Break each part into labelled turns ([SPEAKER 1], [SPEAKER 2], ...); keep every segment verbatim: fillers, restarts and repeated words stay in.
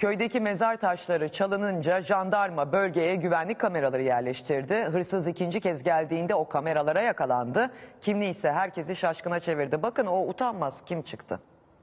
[SPEAKER 1] Köydeki mezar taşları çalınınca jandarma bölgeye güvenlik kameraları yerleştirdi. Hırsız ikinci kez geldiğinde o kameralara yakalandı. Kimliği ise herkesi şaşkına çevirdi. Bakın o utanmaz kim çıktı?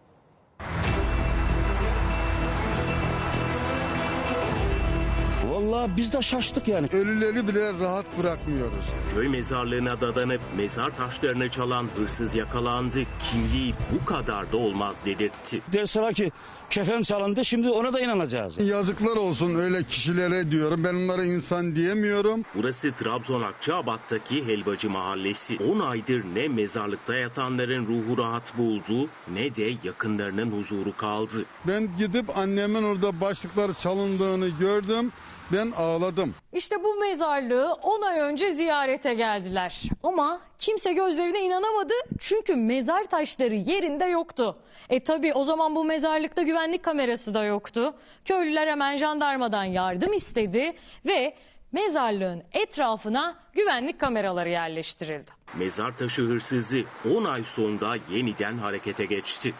[SPEAKER 2] Vallahi biz de şaştık yani.
[SPEAKER 3] Ölüleri bile rahat bırakmıyoruz.
[SPEAKER 4] Köy mezarlığına dadanıp mezar taşlarını çalan hırsız yakalandı. Kimliği bu kadar da olmaz dedirtti.
[SPEAKER 2] Deseler ki kefen çalındı, şimdi ona da inanacağız.
[SPEAKER 3] Yazıklar olsun öyle kişilere diyorum. Ben onlara insan diyemiyorum.
[SPEAKER 4] Burası Trabzon Akçaabat'taki Helvacı Mahallesi. on aydır ne mezarlıkta yatanların ruhu rahat buldu ne de yakınlarının huzuru kaldı.
[SPEAKER 3] Ben gidip annemin orada başlıkları çalındığını gördüm. Ben ağladım.
[SPEAKER 5] İşte bu mezarlığı on ay önce ziyarete geldiler. Ama kimse gözlerine inanamadı çünkü mezar taşları yerinde yoktu. E tabi o zaman bu mezarlıkta güvenlik kamerası da yoktu. Köylüler hemen jandarmadan yardım istedi ve mezarlığın etrafına güvenlik kameraları yerleştirildi.
[SPEAKER 4] Mezar taşı hırsızı on ay sonra yeniden harekete geçti.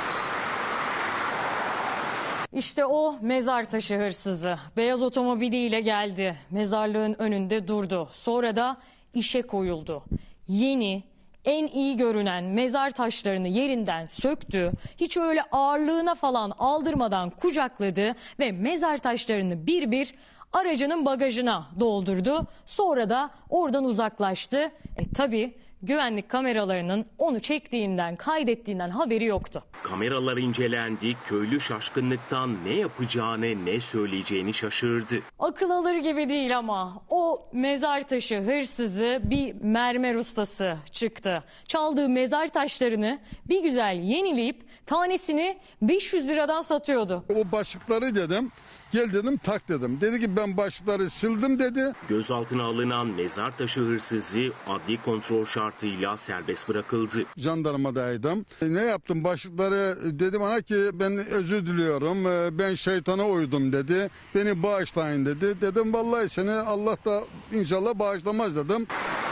[SPEAKER 5] İşte o mezar taşı hırsızı beyaz otomobiliyle geldi. Mezarlığın önünde durdu. Sonra da işe koyuldu. Yeni, en iyi görünen mezar taşlarını yerinden söktü. Hiç öyle ağırlığına falan aldırmadan kucakladı ve mezar taşlarını bir bir aracının bagajına doldurdu. Sonra da oradan uzaklaştı. E tabii güvenlik kameralarının onu çektiğinden, kaydettiğinden haberi yoktu.
[SPEAKER 4] Kameralar incelendi, köylü şaşkınlıktan ne yapacağını, ne söyleyeceğini şaşırdı.
[SPEAKER 5] Akıl alır gibi değil ama o mezar taşı hırsızı bir mermer ustası çıktı. Çaldığı mezar taşlarını bir güzel yenileyip tanesini beş yüz liradan satıyordu.
[SPEAKER 3] O başlıkları dedim. Gel dedim tak dedim. Dedi ki ben başlıkları sildim dedi.
[SPEAKER 4] Gözaltına alınan mezar taşı hırsızı adli kontrol şartıyla serbest bırakıldı.
[SPEAKER 3] Jandarmadaydım. E, ne yaptım başlıkları dedi bana ki ben özür diliyorum. E, ben şeytana uydum dedi. Beni bağışlayın dedi. Dedim vallahi seni Allah da inşallah bağışlamaz dedim.